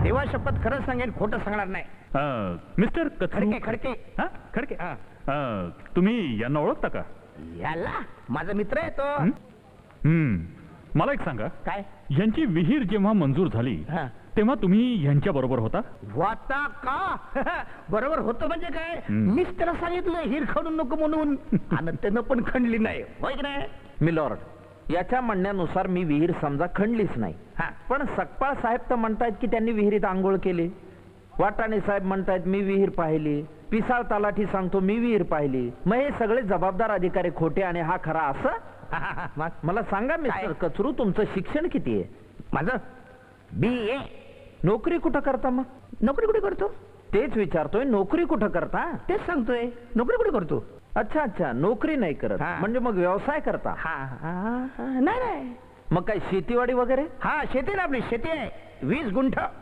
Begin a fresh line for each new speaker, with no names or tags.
देवा शपथ खरंच सांगेन, खोटं सांगणार नाही.
मिस्टर
खडके खडके.
हा खडके.
हा.
तुम्ही यांना ओळखता का?
याला माझा मित्र आहे तो.
मला एक सांगा,
काय?
यांची विहीर जेव्हा मंजूर झाली
हा.
तेव्हा तुम्ही यांच्या बरोबर होता?
वाता का? बरोबर होतं म्हणजे काय? मीच त्याला सांगितलं हिर खणू नको म्हणून, आणि त्यानं पण खणली नाही, होय की नाही?
मिलॉर्ड, याच्या म्हणण्यानुसार मी विहीर समजा खणलीच नाही.
हा.
पण सकपाळ साहेब तर म्हणतायत की त्यांनी विहिरीत आंघोळ केली. वाटाणे साहेब म्हणतायत मी विहीर पाहिली. पिसाळ तलाठी सांगतो मी विहीर पाहिली. मग हे सगळे जबाबदार अधिकारी खोटे आणि हा खरा असं?
मग
मला सांगा मिस्टर कचरू, तुमचं शिक्षण किती आहे?
माझं BA.
नोकरी कुठं करता? मग
नोकरी कुठे करतो?
तेच विचारतोय, नोकरी कुठं करता?
तेच सांगतोय, नोकरी कुठे करतो?
अच्छा अच्छा, नोकरी नाही करत.
हा.
म्हणजे मग व्यवसाय करता?
नाही नाही.
मग काय शेतीवाडी वगैरे?
हा, शेती ना आपली, शेती आहे 20 गुंठ.